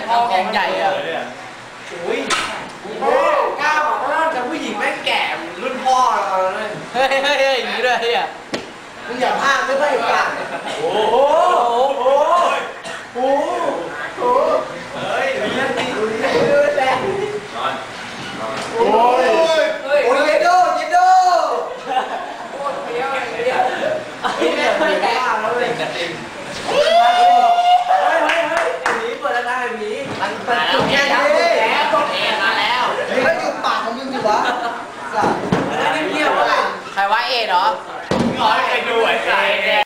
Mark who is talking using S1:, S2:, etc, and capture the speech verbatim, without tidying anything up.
S1: ท้องยังใหญ่อะ
S2: อุ้ยกล้าบอกว่าแต่ผู้หญิงแม่งแก่รุ่นพ่อเราเลย
S1: เฮ้ยเฮ้ยเฮ้ยอย่างนี้ด้วยอ่ะ
S2: มึงอย่าพลาดไม่ค่อยกล้าโอ้โหโอ้โหโอ้โหเฮ้ยมีเรื่องดีดูดิดูแลโอ้ยโอ้ยเยโดเยโดโคตรเพี้ยวเลยเพี้ยวไอ้แม่ไม่กล้าแล้วเลยเฮ้ยเฮ้ยเฮ้ยไอ้หมีเปิดแล้วนะไอ้หมีมันมันจุกแค่นี้แล้วต้องเอ็นมาแล้วไม่อยู่ปากของมึงสิวะสัตว์ไม่ได้เกี่ยวอะไรใครว่าเอ็นเหรอ
S3: ร้อยไปดูไอ้ไก่